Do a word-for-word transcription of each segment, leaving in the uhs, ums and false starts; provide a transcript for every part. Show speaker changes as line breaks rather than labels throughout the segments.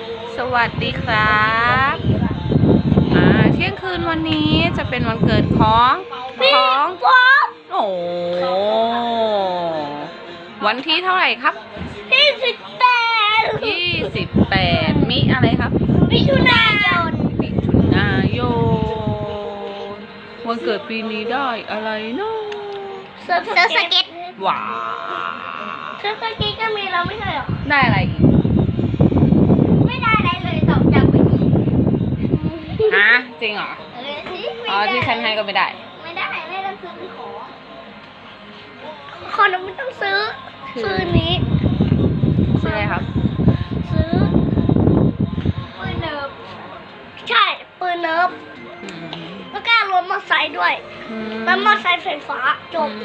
สวัสดีครับอ่าเที่ยงคืนวันนี้จะเป็นวันเกิดของของโอ้วันที่เท่าไหร่ครับ
ยี่สิบแปด
ยี่สิบแปดมิอะไรครับ
มิถุนายน
มิถุนายนวันเกิดปีนี้ได้อะไรเนาะ
เซิร์ฟสเก็ต
ว้า
เซิร์ฟสเก็ตก็มีเราไม่ใช่หรอ
ได้อะไรอีก
ไม่ได้อะไรเลยตอบจับไปอีก
ฮะจริงเหรออ๋อที่ฉันให้ก็ไม่ได้
ไม่ได้ไม่ต้องซื้อขอขอเราไม่ต้องซื้อซื้อนี้
ซื้ออะไรครับ
ซื้อปืนเนิร์ฟใช่ปืนเนิร์ฟแล้วก็รถมอเตอร์ไซค์ด้วยแล้วมอเตอร์ไซค์ไฟฟ้าจบ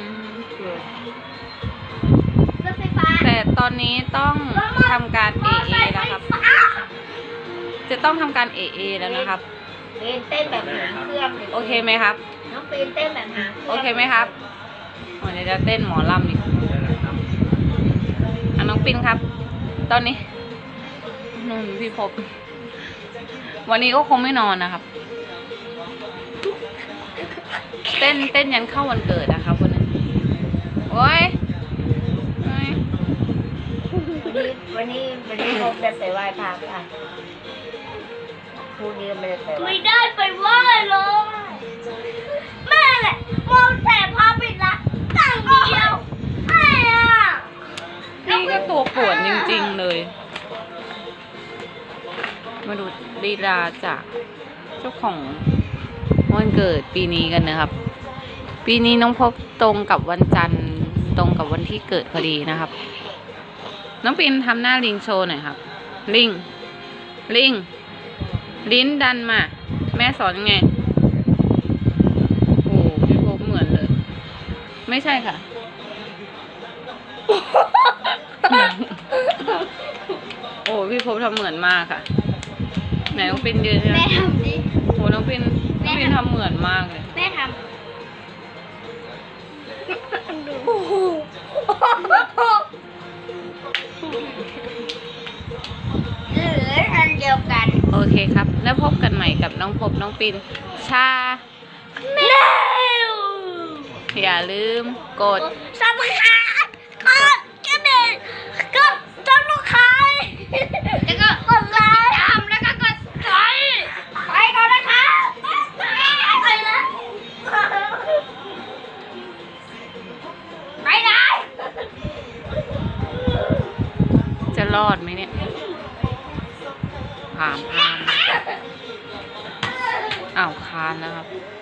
รถไฟฟ้า
แต่ตอนนี้ต้องทำการ เอ เอ แล้วครับจะต้องทำการ เอ เอ แล้วนะครับ
ปีนเต้นแบบหางเครื่อง
โอเคไหมครับ
น้องปีนเต้นแบบหาง
โอเคไหมครับวันนี้จะเต้นหมอลำอีกอ่ะน้องปินครับ ตอนนี้นุ่นพี่พบวันนี้ก็คงไม่นอนนะครับเต้นเต้นยันเข้าวันเกิดนะครับวันนี้โอ้ย
วันนี้วันนี้พบจะไปไหว้พระค่ะพรุ่งนี้ไม่ได้ไปไม่ได้ไปไหว้เลยแม่แหละมองแต่พาปิดละตั้งเดียวไอ้อะ
นี่ก็ตัวปวดจริงๆเลยมาดูลีลาจากเจ้าของวันเกิดปีนี้กันนะครับปีนี้น้องพบตรงกับวันจันทร์ตรงกับวันที่เกิดพอดีนะครับน้องปินทำหน้าลิงโชว์หน่อยครับลิงลิงลิ้นดันมาแม่สอนยังไงโอ้พี่พบเหมือนเลยไม่ใช่ค่ะโอ้พี่พบทำเหมือนมากค่ะไหนน้องปินยืนใช่ไหม
แม่ทำดิ
โอ้น้องปินน้องปินทำเหมือนมากเลย
แม่ทำโอ้โหหรืออันเดียวกัน
โอเคครับแล้วพบกันใหม่กับน้องพบน้องปินชา
แมว
อย่าลืมกด
ซับสไครบ์กดกระดิ่งกดซับสไครบ์แล้วก็กดไลค์ตามแล้วก็กดไลค์ไปก่อนนะคะไปแล้วไปไหน
จะรอดไหมเนี่ยผ่านผ่านอ้าวคานนะครับ